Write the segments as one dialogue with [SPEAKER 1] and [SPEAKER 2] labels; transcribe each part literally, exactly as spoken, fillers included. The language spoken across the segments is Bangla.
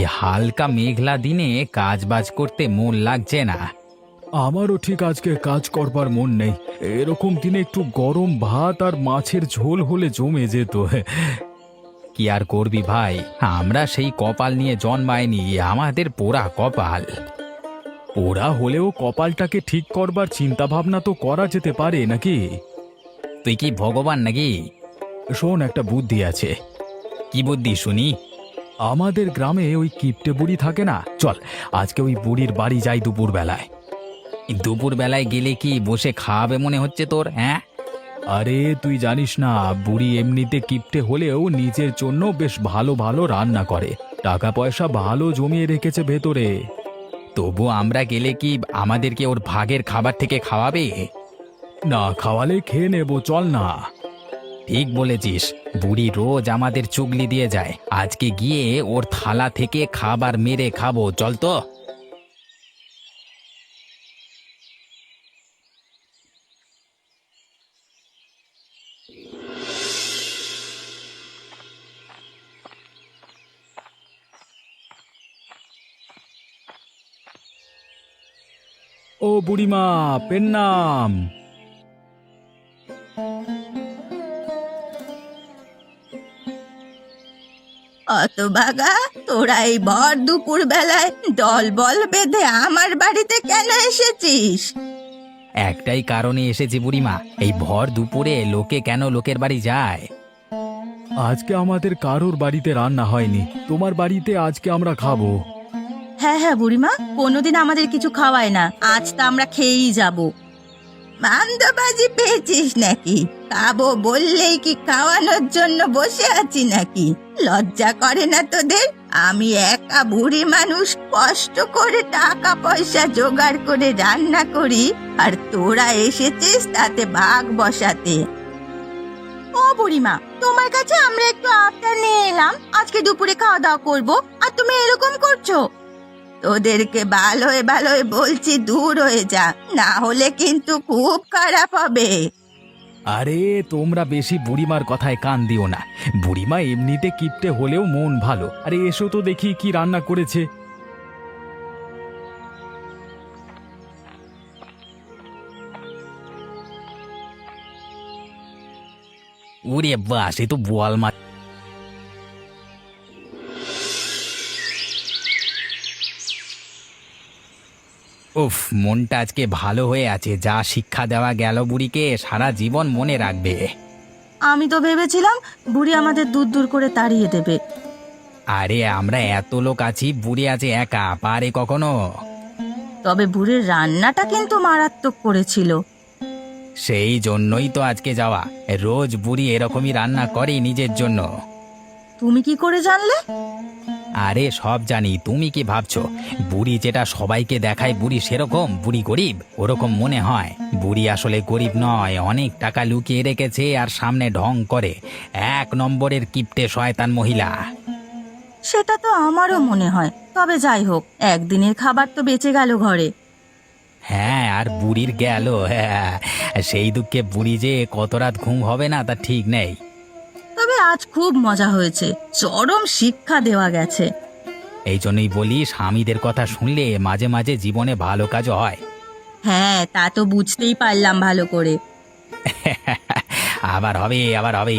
[SPEAKER 1] হালকা মেঘলা দিনে কাজ বাজ করতে মন লাগছে না।
[SPEAKER 2] আমারও ঠিক আজকে কাজ করবার মন নেই। এরকম দিনে একটু গরম ভাত আর মাছের ঝোল হলে জমে যেত।
[SPEAKER 1] কি আর করবি ভাই, আমরা সেই কপাল নিয়ে জন্মায়নি, আমাদের পোড়া কপাল।
[SPEAKER 2] ওরা হলেও কপালটাকে ঠিক করবার চিন্তা ভাবনা তো করা যেতে পারে নাকি?
[SPEAKER 1] তুই কি ভগবান নাকি?
[SPEAKER 2] শোন, একটা বুদ্ধি আছে।
[SPEAKER 1] কি বুদ্ধি শুনি?
[SPEAKER 2] আমাদের গ্রামে ওই কিপটে বুড়ি থাকে না, চল আজকে ওই বুড়ির বাড়ি যাই দুপুর বেলায়।
[SPEAKER 1] দুপুর বেলায় গেলে কি বসে খাওয়াবে মনে হচ্ছে তোর? হ্যাঁ,
[SPEAKER 2] আরে তুই জানিস না, বুড়ি এমনিতে কিপটে হলেও নিজের জন্য বেশ ভালো ভালো রান্না করে, টাকা পয়সা ভালো জমিয়ে রেখেছে ভেতরে।
[SPEAKER 1] তবু আমরা গেলে কি আমাদেরকে ওর ভাগের খাবার থেকে খাওয়াবে?
[SPEAKER 2] না খাওয়ালে খেয়ে নেবো, চল না।
[SPEAKER 1] ঠিক বলেছিস, বুড়ি রোজ আমাদের চুগলি দিয়ে যায়, আজকে গিয়ে ওর থালা থেকে খাবার মেরে খাবো, চল তো।
[SPEAKER 2] ও বুড়িমা, পেন্নাম।
[SPEAKER 3] অতভাগা, তোরা এই ভর দুপুর বেলায় দল বল বেঁধে আমার বাড়িতে কেন এসেছিস?
[SPEAKER 1] একটাই কারণে এসেছি বুড়িমা, এই ভর দুপুরে লোকে কেন লোকের বাড়ি যায়?
[SPEAKER 2] আজকে আমাদের কারোর বাড়িতে রান্না হয়নি, তোমার বাড়িতে আজকে আমরা খাবো।
[SPEAKER 3] হ্যাঁ হ্যাঁ বুড়িমা, কোনোদিন আমাদের কিছু খাওয়ায় না, আজ তো আমরা খেয়েই যাব। মান্দাবাজি পেয়েছিস নাকি? খাবো বললেই কি খাওয়ানোর জন্য বসে আছি নাকি? লজ্জা করে না তোদের? আমি একা বুড়ি মানুষ কষ্ট করে টাকা পয়সা জোগাড় করে রান্না করি, আর তোরা এসেছিস তাতে ভাগ বসাতে। ও বুড়িমা, তোমার কাছে আমরা একটু আবদার নিয়ে এলাম, আজকে দুপুরে খাওয়া দাওয়া করবো, আর তুমি এরকম করছো। তোদেরকে ভালোয় ভালোয় বলছি দূর হয়ে যা, না হলে কিন্তু খুব খারাপ হবে।
[SPEAKER 2] আরে তোমরা বেশি বুড়িমার কথায় কান দিও না, বুড়িমা এমনিতে কিপটে হলেও মন ভালো। আরে এসো তো দেখি কি রান্না করেছে।
[SPEAKER 1] ওরে বাস, এ তো বোয়াল মাছ। উফ, মনটা আজকে ভালো হয়ে আছে, যা শিক্ষা দেওয়া গেল বুড়িকে সারা জীবন মনে রাখবে।
[SPEAKER 3] আমি তো ভেবেছিলাম বুড়ি আমাদের দূর দূর করে তাড়িয়ে দেবে।
[SPEAKER 1] আরে আমরা এত লোক আছি, বুড়ি আছে একা, পারে কখনো?
[SPEAKER 3] তবে বুড়ির রান্নাটা কিন্তু মারাত্মক করেছিল।
[SPEAKER 1] সেই জন্যই তো আজকে যাওয়া, রোজ বুড়ি এরকমই রান্না করে নিজের জন্য।
[SPEAKER 3] তুমি কি করে জানলে?
[SPEAKER 1] আরে সব জানি, তুমি কি ভাবছো বুড়ি যেটা সবাইকে দেখায় বুড়ি সেরকম? বুড়ি গরিব ওরকম মনে হয়, বুড়ি আসলে গরিব নয়, অনেক টাকা লুকিয়ে রেখেছে আর সামনে ঢং করে, এক নম্বরের কিপটে শয়তান মহিলা।
[SPEAKER 3] সেটা তো আমারও মনে হয়, তবে যাই হোক, একদিনের খাবার তো বেঁচে গেল ঘরে।
[SPEAKER 1] হ্যাঁ, আর বুড়ির গেল, হ্যাঁ, সেই দুঃখে বুড়ি যে কত রাত ঘুম হবে না তা ঠিক নেই।
[SPEAKER 3] তবে আজ খুব মজা হয়েছে, চরম শিক্ষা দেওয়া গেছে।
[SPEAKER 1] এই জন্যই বলি, স্বামীদের কথা শুনলে মাঝে মাঝে জীবনে ভালো কাজও হয়।
[SPEAKER 3] হ্যাঁ, তা তো বুঝতেই পারলাম ভালো করে।
[SPEAKER 1] আবার হবে, আবার হবে।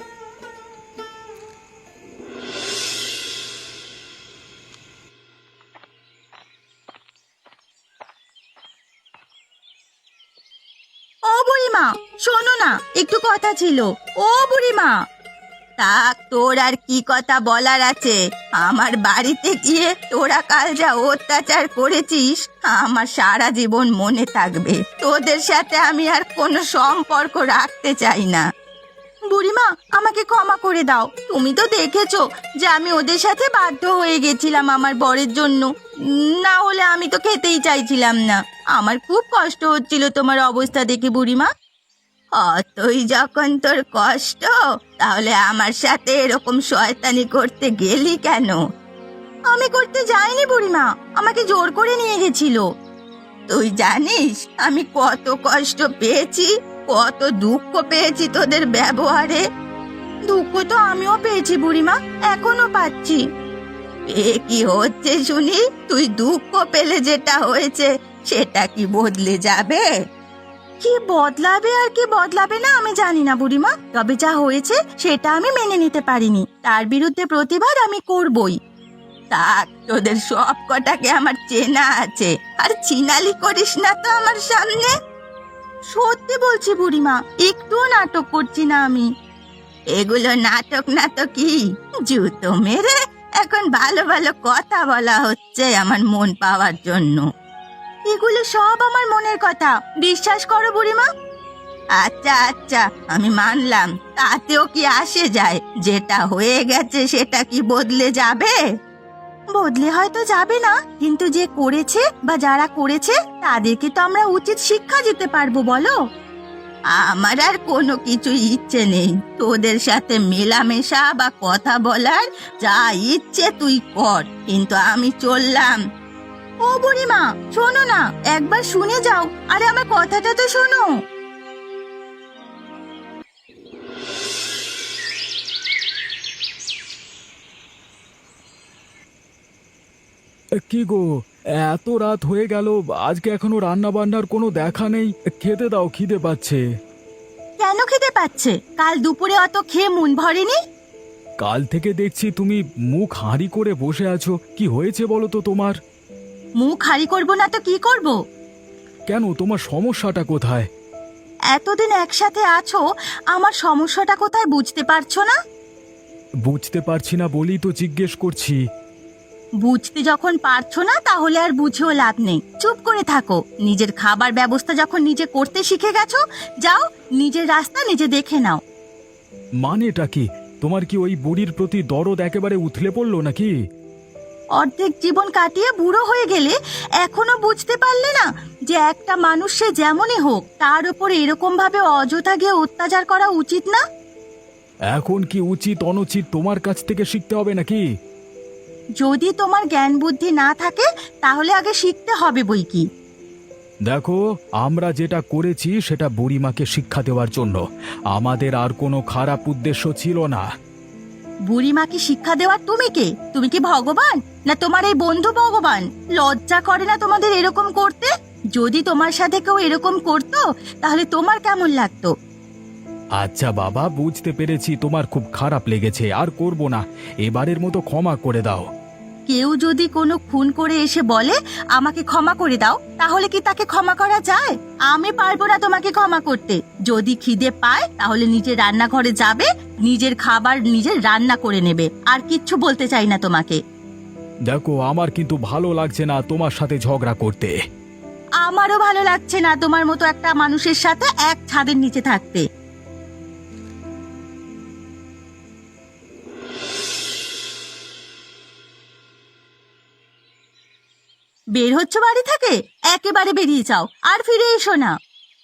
[SPEAKER 3] ও বুড়িমা, শোনো না, একটু কথা ছিল। ও বুড়িমা, তা তোর আর কি কথা বলার আছে? আমার বাড়িতে গিয়ে তোরা কাল যা অত্যাচার করেছিস আমার সারা জীবন মনে থাকবে। তোদের সাথে আমি আর কোনো সম্পর্ক রাখতে চাই না। বুড়িমা, আমাকে ক্ষমা করে দাও, তুমি তো দেখেছো যে আমি ওদের সাথে বাধ্য হয়ে গেছিলাম আমার বরের জন্য, না হলে আমি তো খেতেই চাইছিলাম না। আমার খুব কষ্ট হচ্ছিল তোমার অবস্থা দেখে বুড়িমা। অতই যখন তোর কষ্ট, তাহলে আমার সাথে এরকম শয়তানি করতে গেলি কেন? আমি করতে যাইনি বুড়িমা, আমাকে জোর করে নিয়ে গেছিল। তুই জানিস আমি কত কষ্ট পেয়েছি, কত দুঃখ পেয়েছি তোদের ব্যবহারে। দুঃখ তো আমিও পেয়েছি বুড়িমা, এখনো পাচ্ছি। এ কি হচ্ছে শুনি? তুই দুঃখ পেলে যেটা হয়েছে সেটা কি বদলে যাবে? কি বদলাবে আর কি বদলাবে না আমি জানি না বুড়িমা, তবে যা হয়েছে সেটা আমি মেনে নিতে পারিনি, তার বিরুদ্ধে প্রতিবাদ আমি করবই। থাক, তোদের সব কটাকে আমার চেনা আছে, আর চিনালি করিস না তো আমার সামনে। সত্যি বলছি বুড়িমা, একটুও নাটক করছি না আমি। এগুলো নাটক না তো কি, জুতো মেরে এখন ভালো ভালো কথা বলা হচ্ছে আমার মন পাওয়ার জন্য। এগুলো সব আমার মনের কথা, বিশ্বাস করো বুড়িমা। আচ্ছা আচ্ছা, আমি মানলাম, তাতেও কি আসে যায়? যেটা হয়ে গেছে সেটা কি বদলে যাবে? বদলে হয়তো যাবে না, কিন্তু যে করেছে বা যারা করেছে তাদেরকে তো আমরা উচিত শিক্ষা দিতে পারবো, বলো? আমার আর কোনো কিছু ইচ্ছে নেই তোদের সাথে মেলামেশা বা কথা বলার, যা ইচ্ছে তুই কর, কিন্তু আমি চললাম। ও বুড়িমা, শোনো না, একবার শুনে যাও, আরে আমার কথাটা তো শোনো।
[SPEAKER 2] কি গো, এত রাত হয়ে গেল, আজকে এখনো রান্না বান্নার কোনো দেখা নেই। খেতে দাও, খিদে পাচ্ছে।
[SPEAKER 3] কেন খেতে পাচ্ছে? কাল দুপুরে অত খেয়ে মন ভরেনি?
[SPEAKER 2] কাল থেকে দেখছি তুমি মুখ হাঁড়ি করে বসে আছো, কি হয়েছে বলো তো তোমার?
[SPEAKER 3] মুখ হারি করবো না তো কি করব?
[SPEAKER 2] কেন, তোমার সমস্যাটা কোথায়?
[SPEAKER 3] এতদিন একসাথে আছো, আমার সমস্যাটা কোথায় বুঝতে পারছো না?
[SPEAKER 2] বুঝতে পারছি না বলেই তো জিজ্ঞেস করছি।
[SPEAKER 3] বুঝতে যখন পারছো না তাহলে আর বুঝেও লাভ নেই, চুপ করে থাকো। নিজের খাবার ব্যবস্থা যখন নিজে করতে শিখে গেছো, যাও নিজের রাস্তা নিজে দেখে নাও।
[SPEAKER 2] মানেটা কি? তোমার কি ওই বুড়ির প্রতি দরদ একেবারে উথলে পড়লো নাকি?
[SPEAKER 3] অর্ধেক জীবন কাটিয়ে বুড়ো হয়ে গেলে এখনো বুঝতে পারলে না যে একটা মানুষ সে যেমনই হোক তার উপর এরকম ভাবে অযথা গিয়ে অত্যাচার করা উচিত না?
[SPEAKER 2] এখন কি উচিত অনুচিত তোমার কাছ থেকে শিখতে হবে নাকি?
[SPEAKER 3] যদি তোমার জ্ঞান বুদ্ধি না থাকে তাহলে আগে শিখতে হবে বই কি।
[SPEAKER 2] দেখো, আমরা যেটা করেছি সেটা বুড়িমাকে শিক্ষা দেওয়ার জন্য, আমাদের আর কোনো খারাপ উদ্দেশ্য ছিল না।
[SPEAKER 3] বুড়িমাকে শিক্ষা দেওয়ার তুমি কে? তুমি কি ভগবান, না তোমার এই বন্ধু ভগবান? লজ্জা করে না তোমাদের এরকম করতে? যদি তোমার সাথে কেউ এরকম করতো তাহলে তোমার কেমন লাগতো?
[SPEAKER 2] আচ্ছা বাবা, বুঝতে পেরেছি তোমার খুব খারাপ লেগেছে, আর করব না, এবারের মতো ক্ষমা করে দাও।
[SPEAKER 3] কেউ যদি কোনো খুন করে এসে বলে আমাকে ক্ষমা করে দাও, তাহলে কি তাকে ক্ষমা করা যায়? আমি পারবো না তোমাকে ক্ষমা করতে। যদি খিদে পায় তাহলে নিজের রান্নাঘরে যাবে, নিজের খাবার নিজের রান্না করে নেবে, আর কিচ্ছু বলতে চাই না তোমাকে।
[SPEAKER 2] দেখো, আমার কিন্তু ভালো লাগছে না তোমার সাথে ঝগড়া করতে।
[SPEAKER 3] আমারও ভালো লাগছে না তোমার মতো একটা মানুষের সাথে এক ছাদের নিচে থাকতে। বের হচ্ছ বাড়ি থেকে? একেবারে বেরিয়ে যাও, আর ফিরে এসো না।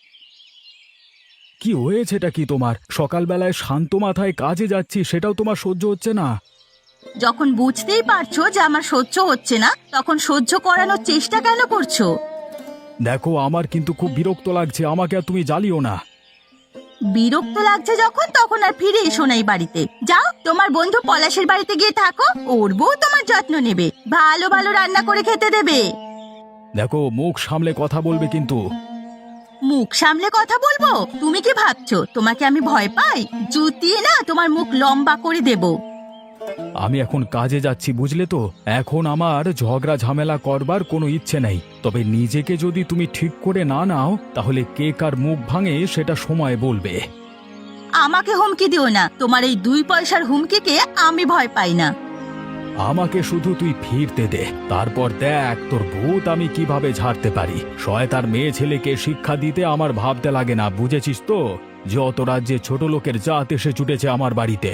[SPEAKER 2] কি হয়েছেটা কি তোমার? সকালবেলায় শান্ত মাথায় কাজে যাচ্ছি, সেটাও তোমার সহ্য হচ্ছে না?
[SPEAKER 3] যখন বুঝতেই পারছো যে আমার সহ্য হচ্ছে না, তখন সহ্য করানোর চেষ্টা কেন করছো?
[SPEAKER 2] দেখো, আমার কিন্তু খুব বিরক্ত লাগছে, আমাকে আর তুমি জ্বালিও না।
[SPEAKER 3] বিরক্ত লাগছে যখন, তখন আর ফিরে এসো না এই বাড়িতে। যাও তোমার বন্ধু পলাশের বাড়িতে গিয়ে থাকো, ওর বউ তোমার যত্ন নেবে, ভালো ভালো রান্না করে খেতে দেবে।
[SPEAKER 2] দেখো, মুখ সামলে কথা বলবে কিন্তু।
[SPEAKER 3] মুখ সামলে কথা বলবো? তুমি কি ভাবছো তোমাকে আমি ভয় পাই? জুতিয়ে না তোমার মুখ লম্বা করে দেব।
[SPEAKER 2] আমি এখন কাজে যাচ্ছি, বুঝলে তো? এখন আমার ঝগড়া ঝামেলা করবার কোনো ইচ্ছে নেই, তবে নিজেকে যদি তুমি ঠিক করে না নাও তাহলে কে কার মুখ ভাঙে সেটা সময় বলবে।
[SPEAKER 3] আমাকে হুমকি দিও না, তোমার এই দুই পয়সার হুমকিকে আমি ভয় পাই না।
[SPEAKER 2] আমাকে শুধু তুই ফিরতে দে, তারপর দেখ তোর ভূত আমি কিভাবে ঝাড়তে পারি। শয়তার মেয়ে ছেলেকে শিক্ষা দিতে আমার ভাবতে লাগে না, বুঝেছিস তো? যত রাজ্যে ছোট লোকের জাত এসে ছুটেছে আমার বাড়িতে।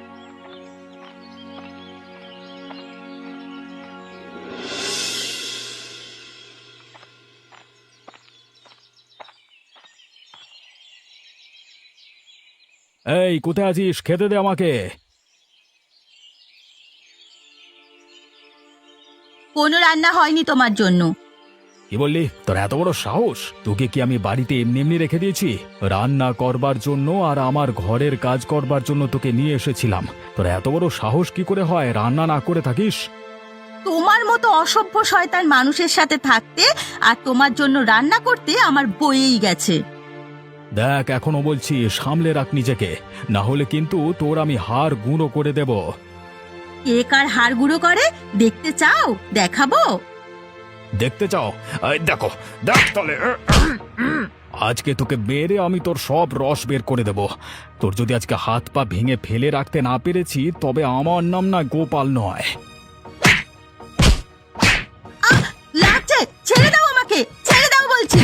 [SPEAKER 2] এই, কোথায় আছিস? খেতে দে আমাকে।
[SPEAKER 3] কোনো রান্না হয়নি তোমার জন্য।
[SPEAKER 2] কি বললি? তোর এত বড় সাহস! তোকে কি আমি বাড়িতে এমনি এমনি রেখে দিয়েছি? রান্না করবার জন্য আর আমার ঘরের কাজ করবার জন্য তোকে নিয়ে এসেছিলাম। তোর এত বড় সাহস কি করে হয় রান্না না করে থাকিস?
[SPEAKER 3] তোমার মতো অসভ্য শয়তান মানুষের সাথে থাকতে আর তোমার জন্য রান্না করতে আমার বয়েই গেছে।
[SPEAKER 2] দেখ, এখনো বলছি সামলে রাখ নিজেকে, না হলে কিন্তু তোর আমি হাড় গুঁড়ো করে দেব।
[SPEAKER 3] কে কার হাড় গুঁড়ো করে দেখতে চাও? দেখাবো।
[SPEAKER 2] দেখতে চাও? এই দেখো, দেখ তাহলে। আজকে তোকে মেরে আমি তোর সব রস বের করে দেব। তোর যদি আজকে হাত পা ভেঙে ফেলে রাখতে না পেরেছি, তবে আমার নাম না গোপাল নয়।
[SPEAKER 3] আহ, লাগছে, ছেড়ে দাও আমাকে, ছেড়ে দাও বলছি।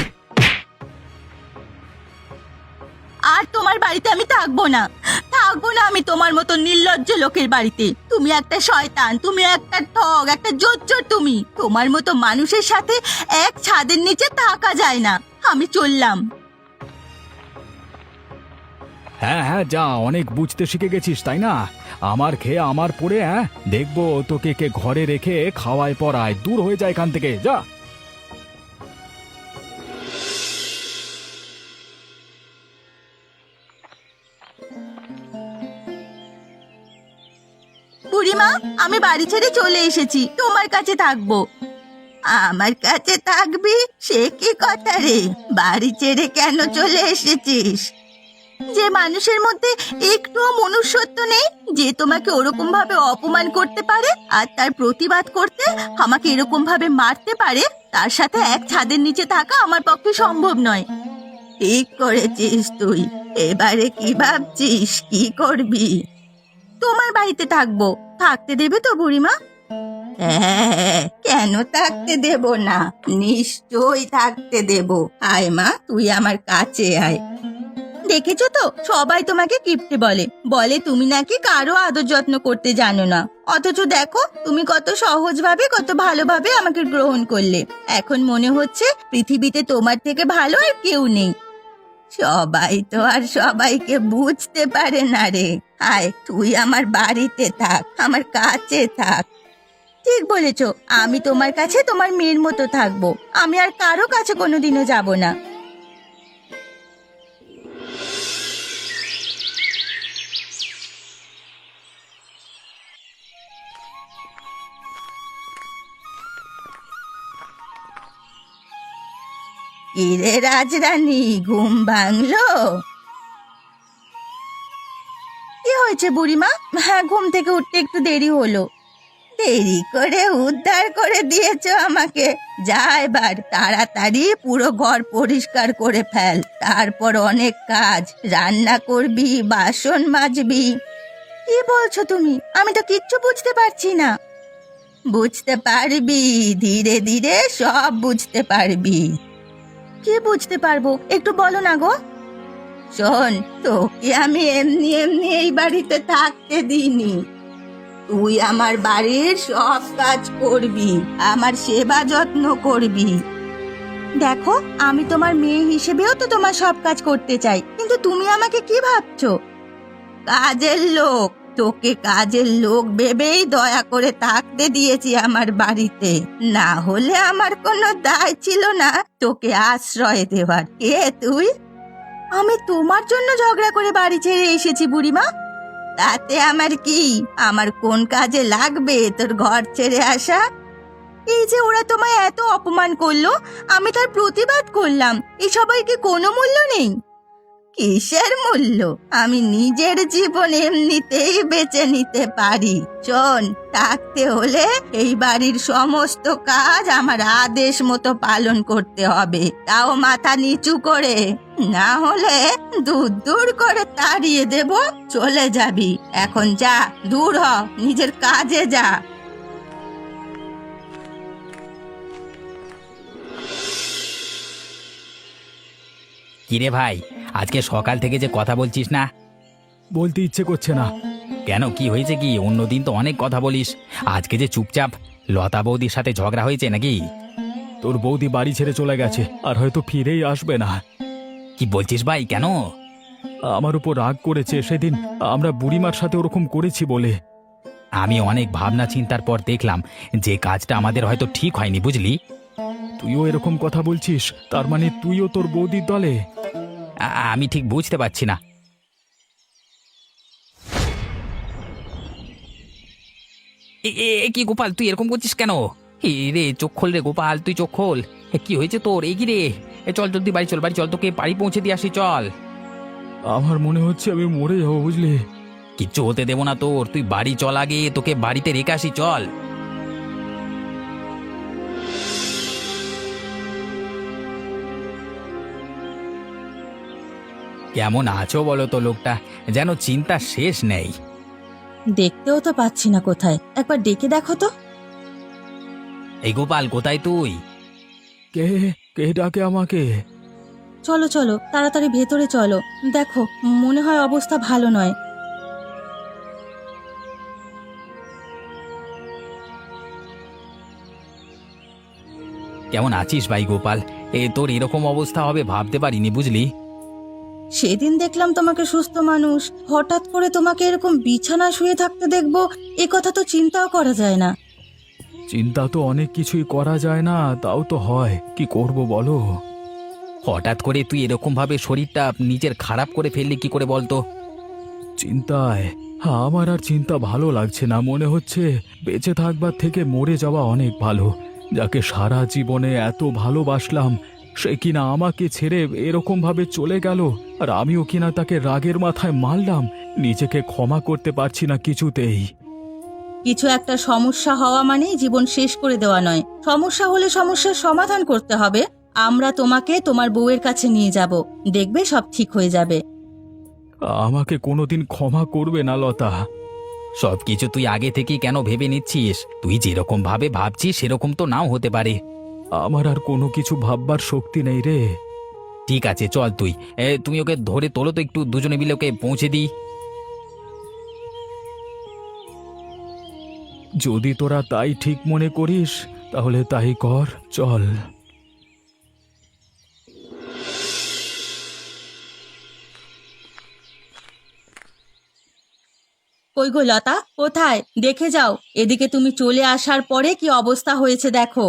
[SPEAKER 3] আর তোমার বাড়িতে আমি থাকবো না, থাকবো না আমি তোমার মতো নির্লজ্জ লোকের বাড়িতে। তুমি একটা শয়তান, তুমি একটা ঠগ, একটা জোচ্চোর। তুমি তোমার মতো মানুষের সাথে এক ছাদের নিচে থাকা যায় না। আমি চললাম।
[SPEAKER 2] হ্যাঁ হ্যাঁ, যা, অনেক বুঝতে শিখে গেছিস তাই না? আমার খেয়ে আমার পড়ে, হ্যাঁ দেখবো তোকে কে ঘরে রেখে খাওয়ায় পড়ায়। দূর হয়ে যায় এখান থেকে, যা।
[SPEAKER 3] বুড়িমা, আমি বাড়ি ছেড়ে চলে এসেছি, তোমার কাছে থাকবো। আমার কাছে থাকবি? সে কি কথা রে? বাড়ি ছেড়ে কেন চলে এসেছিস? যে মানুষের মধ্যে একটুও মনুষ্যত্ব নেই, যে তোমাকে ওরকম ভাবে অপমান করতে পারে আর তার প্রতিবাদ করতে আমাকে এরকম ভাবে মারতে পারে, তার সাথে এক ছাদের নিচে থাকা আমার পক্ষে সম্ভব নয়। ঠিক করেছিস তুই। এবারে কি ভাবছিস, কি করবি? তোমার বাড়িতে থাকবো। থাকতে দেবে তো বুড়িমা? হ্যাঁ, কেন থাকতে দেব না? নিশ্চয়ই থাকতে দেব। আয় মা, তুই আমার কাছে আয়। দেখেছো তো, সবাই তোমাকে কিপ্টে বলে, বলে তুমি নাকি কারো আদর যত্ন করতে জানো না। অথচ দেখো, তুমি কত সহজভাবে, কত ভালোভাবে আমাকে গ্রহণ করলে। এখন মনে হচ্ছে পৃথিবীতে তোমার থেকে ভালো আর কেউ নেই। সবাই তো আর সবাইকে বুঝতে পারে না রে। আয়, তুই আমার বাড়িতে থাক, আমার কাছে থাক। ঠিক বলেছো, আমি তোমার কাছে তোমার মেয়ের মতো থাকবো। আমি আর কারো কাছে কোনোদিনও যাব না। কিরে রাজরানী, ঘুম ভাঙলো? কি হয়েছে বুড়িমা? হ্যাঁ, ঘুম থেকে উঠতে একটু দেরি হলো। দেরি করে উদ্ধার করে দিয়েছো আমাকে। যা, এবার তাড়াতাড়ি পুরো ঘর পরিষ্কার করে ফেল। তারপর অনেক কাজ, রান্না করবি, বাসন মাজবি। কি বলছো তুমি? আমি তো কিচ্ছু বুঝতে পারছি না। বুঝতে পারবি, ধীরে ধীরে সব বুঝতে পারবি। কি বুঝতে পারবো, একটু বলো না গো। শোন, তোকে আমি এমনি এমনি এই বাড়িতে থাকতে দিইনি। তুই আমার বাড়ির সব কাজ করবি, আমার সেবা যত্ন করবি। দেখো, আমি তোমার মেয়ে হিসেবেও তো তোমার সব কাজ করতে চাই, কিন্তু তুমি আমাকে কি ভাবছো? কাজের লোক, তোকে কাজের লোক ভেবেই দয়া করে থাকতে দিয়েছি আমার বাড়িতে। না হলে আমার কোনো দায় ছিল না তোকে আশ্রয় দেওয়ার। কে তুই? আমি তোমার জন্য ঝগড়া করে বাড়ি ছেড়ে এসেছি বুড়িমা। তাতে আমার কি? আমার কোন কাজে লাগবে তোর ঘর ছেড়ে আসা? এই যে ওরা তোমায় এত অপমান করলো, আমি তার প্রতিবাদ করলাম, এই সবাইকে কোনো মূল্য নেই? কিসের মূল্য? আমি নিজের জীবন এমনিতেই বেঁচে নিতে পারি। শোন, থাকতে হলে এই বাড়ির সমস্ত কাজ আমার আদেশ মতো পালন করতে হবে, তাও মাথা নিচু করে। না হলে দূর দূর করে তাড়িয়ে দেব, চলে যাবি। এখন যা, দূর হ, নিজের কাজে যা।
[SPEAKER 1] কিরে ভাই, আজকে সকাল থেকে যে কথা বলছিস না?
[SPEAKER 2] বলতে ইচ্ছে করছে না।
[SPEAKER 1] কেন, কি হয়েছে কি? অন্যদিন তো অনেক কথা বলিস, আজকে যে চুপচাপ? লতা বৌদির সাথে ঝগড়া হয়েছে নাকি?
[SPEAKER 2] তোর বৌদি বাড়ি ছেড়ে চলে গেছে, আর হয়তো ফিরেই আসবে না।
[SPEAKER 1] কি বলছিস ভাই, কেন?
[SPEAKER 2] আমার উপর রাগ করেছে সেদিন আমরা বুড়িমার সাথে ওরকম করেছি বলে।
[SPEAKER 1] আমি অনেক ভাবনা চিন্তার পর দেখলাম যে কাজটা আমাদের হয়তো ঠিক হয়নি, বুঝলি?
[SPEAKER 2] তুইও এরকম কথা বলছিস? তার মানে তুইও তোর বৌদির দলে?
[SPEAKER 1] আ- আমি ঠিক বুঝতে পারছি না। এ এ- এ কি গোপাল, তুই এরকম করছিস কেন? এ রে, চোখ খোল রে গোপাল, তুই চোখ খোল। এ, কি হয়েছে তোর? এই কি রে? এ চল জলদি বাড়ি চল, বাড়ি চল, তোকে বাড়ি পৌঁছে দিয়ে আসি, চল।
[SPEAKER 2] আমার মনে হচ্ছে আমি মরে যাবো, বুঝলি?
[SPEAKER 1] কিচ্ছু হতে দেবো না তোর, তুই বাড়ি চল আগে, তোকে বাড়িতে রেখে আসি, চল। কেমন আছো বলো তো? লোকটা যেন চিন্তা শেষ নেই।
[SPEAKER 3] দেখতেও তো পাচ্ছি না কোথায়, একবার ডেকে দেখো তো।
[SPEAKER 1] এই গোপাল, কোথায় তুই?
[SPEAKER 2] কে কে ডাকে আমাকে?
[SPEAKER 3] চলো চলো তাড়াতাড়ি ভেতরে চলো, দেখো মনে হয় অবস্থা ভালো নয়।
[SPEAKER 1] কেমন আছিস ভাই গোপাল? এ তোর এরকম অবস্থা হবে ভাবতে পারিনি, বুঝলি?
[SPEAKER 3] সেদিন দেখলাম তোমাকে সুস্থ মানুষ, হঠাৎ করে তোমাকে এরকম বিছানা শুয়ে থাকতে দেখবো, এ কথা তো চিন্তাও করা যায় না।
[SPEAKER 2] চিন্তা তো অনেক কিছুই করা যায় না, তাও তো হয়, কি করব বলো?
[SPEAKER 1] হঠাৎ করে তুই এরকম ভাবে শরীরটা নিজের খারাপ করে ফেললি কি করে বলতো?
[SPEAKER 2] চিন্তায় আমার আর চিন্তা ভালো লাগছে না, মনে হচ্ছে বেঁচে থাকবার থেকে মরে যাওয়া অনেক ভালো। যাকে সারা জীবনে এত ভালোবাসলাম, সে কিনা আমাকে ছেড়ে এরকম ভাবে চলে গেল, আর আমিও কিনা তাকে রাগের মাথায় মারলাম। নিজেকে ক্ষমা করতে পারছি না কিছুতেই।
[SPEAKER 3] কিছু একটা সমস্যা হওয়া মানেই জীবন শেষ করে দেওয়া নয়, সমস্যা হলে সমস্যার সমাধান করতে হবে। আমরা তোমাকে তোমার বউয়ের কাছে নিয়ে যাব, দেখবে সব ঠিক হয়ে যাবে।
[SPEAKER 2] আমাকে কোনোদিন ক্ষমা করবে না লতা।
[SPEAKER 1] সবকিছু তুই আগে থেকেই কেন ভেবে নিচ্ছিস? তুই যেরকম ভাবে ভাবছিস সেরকম তো নাও হতে পারে।
[SPEAKER 2] আমার আর কোনো কিছু ভাববার শক্তি নেই রে।
[SPEAKER 1] ঠিক আছে, চল তুই। এ, তুমি ওকে ধরে তোলো তো একটু, দুজনে মিলে ওকে পৌঁছে দিই।
[SPEAKER 2] যদি তোরা তাই ঠিক মনে করিস তাহলে তাই কর, চল।
[SPEAKER 3] কই গো লতা, কোথায়? দেখে যাও, এদিকে তুমি চলে আসার পরে কি অবস্থা হয়েছে দেখো।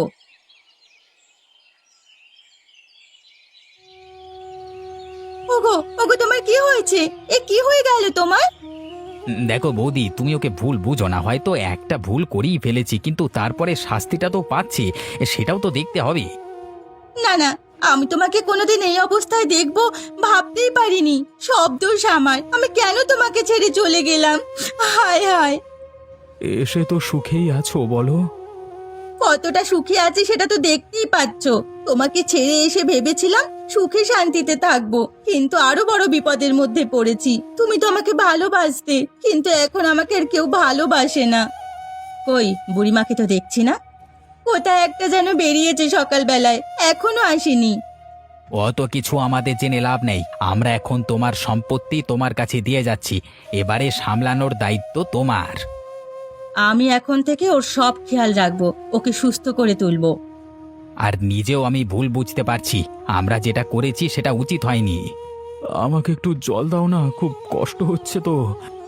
[SPEAKER 3] ওগো ওগো, তোমার কি হয়েছে? এ কি হয়ে গেল তোমার?
[SPEAKER 1] উম, দেখো বৌদি, তুমি ওকে ভুল বুঝো না, হয়তো একটা ভুল করেই ফেলেছি, কিন্তু তারপরে শাস্তিটা তো পাচ্ছি, এ, সেটাও তো দেখতে হবে।
[SPEAKER 3] না না, আমি তোমাকে কোনোদিন এই অবস্থায় দেখবো ভাবতেই পারিনি। সব দোষ আমার, আমি কেন তোমাকে ছেড়ে চলে গেলাম? হায় হায়।
[SPEAKER 2] এসে তো সুখেই আছো বলো।
[SPEAKER 3] কতটা সুখে আছি সেটা তো দেখতেই পাচ্ছ। তোমাকে ছেড়ে এসে ভেবেছিলাম সুখে শান্তিতে থাকবো, কিন্তু আরো বড় বিপদের মধ্যে পড়েছি। তুমি তো আমাকে ভালোবাসতে, কিন্তু এখন আমাকে আর কেউ ভালোবাসে না। কই বুড়িমাকে তো দেখছি না, কোথায় একটা যেন বেরিয়েছে সকালবেলায়, এখনো আসেনি।
[SPEAKER 1] অত কিছু আমাদের জেনে লাভ নেই, আমরা এখন তোমার সম্পত্তি তোমার কাছে দিয়ে যাচ্ছি, এবারে সামলানোর দায়িত্ব তোমার।
[SPEAKER 3] আমি এখন থেকে ওর সব খেয়াল রাখবো, ওকে সুস্থ করে তুলবো।
[SPEAKER 1] আর নিজেও আমি ভুল বুঝতে পারছি, আমরা যেটা করেছি সেটা উচিত হয়নি।
[SPEAKER 2] আমাকে একটু জল দাও না, খুব কষ্ট হচ্ছে তো।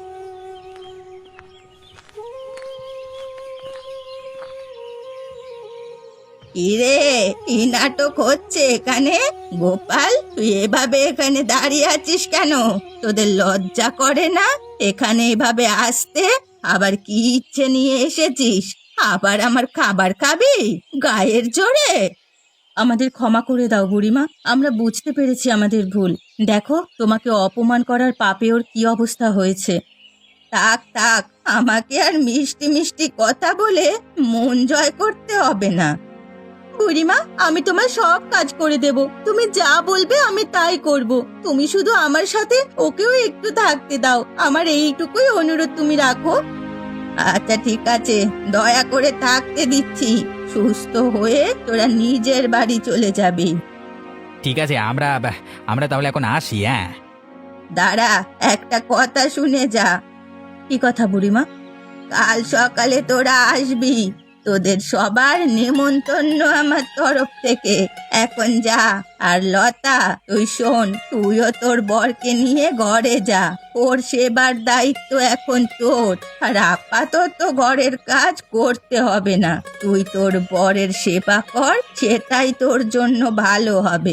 [SPEAKER 3] কিরে, কি নাটক হচ্ছে এখানে? গোপাল, তুই এভাবে এখানে দাঁড়িয়ে আছিস কেন? তোদের লজ্জা করে না এখানে এভাবে আসতে? আবার কি ইচ্ছে নিয়ে এসেছিস? আবার আমার খাবার খাবি গায়ের জোরে? আমাদের ক্ষমা করে দাও বুড়িমা, আমরা বুঝতে পেরেছি আমাদের ভুল। দেখো তোমাকে অপমান করার পাপে ওর কি অবস্থা হয়েছে। থাক থাক, আমাকে আর মিষ্টি মিষ্টি কথা বলে মন জয় করতে হবে না। বুড়িমা, আমি তোমার সব কাজ করে দেব, তুমি যা বলবে আমি তাই করব। তুমি শুধু আমার সাথে ওকেও একটু থাকতে দাও, আমার এইটুকুই অনুরোধ তুমি রাখো। আচ্ছা ঠিক আছে, দয়া করে থাকতে দিচ্ছি। সুস্থ হয়ে তোরা নিজের বাড়ি চলে যাবি।
[SPEAKER 1] ঠিক আছে, আমরা আমরা তাহলে এখন আসি। হ্যাঁ,
[SPEAKER 3] দাঁড়া, একটা কথা শুনে যা। কি কথা বুড়িমা? কাল সকালে তোরা আসবি, তোদের সবার নেমন্তন্ন আমার তরফ থেকে। এখন যা। আর লতা, তুই শোন, তুইও তোর বরকে নিয়ে ঘরে যা, ওর সেবার দায়িত্ব এখন তোর। আর আপাতত ঘরের কাজ করতে হবে না, তুই তোর বরের সেবা কর, সেটাই তোর জন্য ভালো হবে।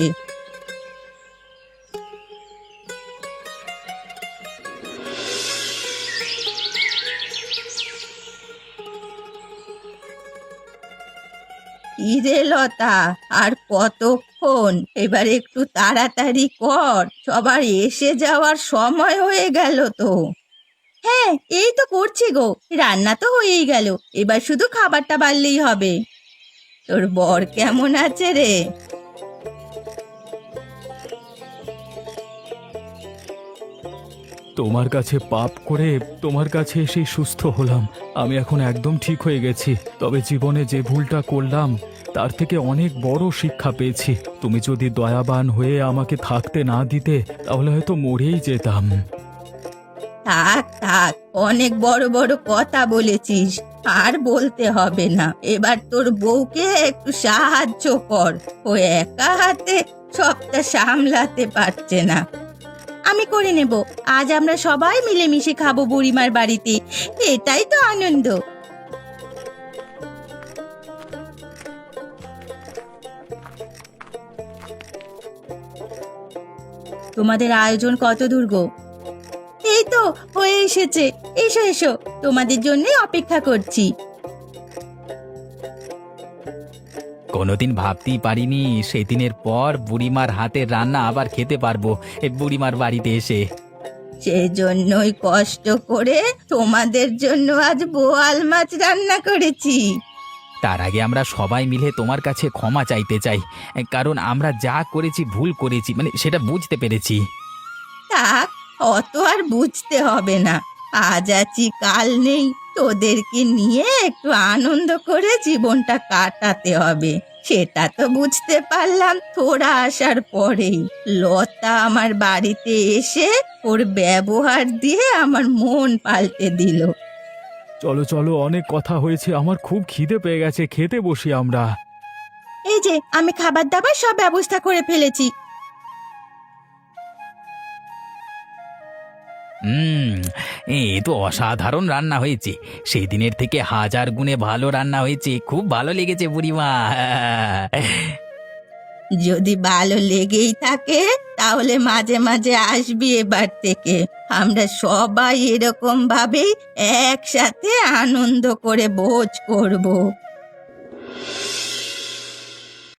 [SPEAKER 3] কিরে লতা, আর কতক্ষণ? এবার একটু তাড়াতাড়ি কর, সবার এসে যাওয়ার সময় হয়ে গেল তো। হ্যাঁ, এই তো করছি গো, রান্না তো হয়েই গেল, এবার শুধু খাবারটা বাড়লেই হবে। তোর বর কেমন আছে রে?
[SPEAKER 2] তোমার কাছে পাপ করে তোমার কাছে এসে সুস্থ হলাম। আমি এখন একদম ঠিক হয়ে গেছি। তবে জীবনে যে ভুলটা করলাম তার থেকে অনেক বড় শিক্ষা পেয়েছি। তুমি যদি দয়াবান হয়ে আমাকে থাকতে না দিতে তাহলে হয়তো মরেই যেতাম।
[SPEAKER 3] থাক থাক, অনেক বড় বড় কথা বলেছিস, আর বলতে হবে না। এবার তোর বউকে একটু সাহায্য কর, ও একা হাতে সবটা সামলাতে পারছে না। আমি করে নেব, আজ আমরা সবাই মিলেমিশে খাবো বুড়িমার বাড়িতে, এটাই তো আনন্দ। তোমাদের আয়োজন কত দূর গো? এই তো হয়ে এসেছে, এসো এসো, তোমাদের জন্যই অপেক্ষা করছি।
[SPEAKER 1] কোনোদিন ভাবতেই পারিনি সেদিনের পর বুড়িমার হাতের রান্না আবার খেতে পারবো এই বুড়িমার বাড়িতে এসে।
[SPEAKER 3] সেজন্যই কষ্ট করে তোমাদের জন্য আজ বোয়াল মাছ রান্না করেছি।
[SPEAKER 1] তার আগে আমরা সবাই মিলে তোমার কাছে ক্ষমা চাইতে চাই, কারণ আমরা যা করেছি ভুল করেছি, মানে সেটা বুঝতে পেরেছি।
[SPEAKER 3] থাক, অত আর বুঝতে হবে না, আজ আছি কাল নেই, তোদেরকে নিয়ে একটু আনন্দ করে জীবনটা কাটাতে হবে, সেটা তো বুঝতে পারলাম তোরা আসার পরেই। লতা আমার বাড়িতে এসে ওর ব্যবহার দিয়ে আমার মন পাল্টে দিল।
[SPEAKER 2] চলো চলো, অনেক কথা হয়েছে, আমার খুব খিদে পেয়ে গেছে, খেতে বসি আমরা।
[SPEAKER 3] এই যে আমি খাবার দাবার সব ব্যবস্থা করে ফেলেছি।
[SPEAKER 1] হুম, এ তো অসাধারণ রান্না হয়েছে, সেই দিনের থেকে হাজার গুণে ভালো রান্না হয়েছে, খুব ভালো লেগেছে বুড়িমা।
[SPEAKER 3] যদি ভালো লেগেই থাকে তাহলে মাঝে মাঝে আসবি এবার থেকে, আমরা সবাই এরকম ভাবেই একসাথে আনন্দ করে ভোজ করব।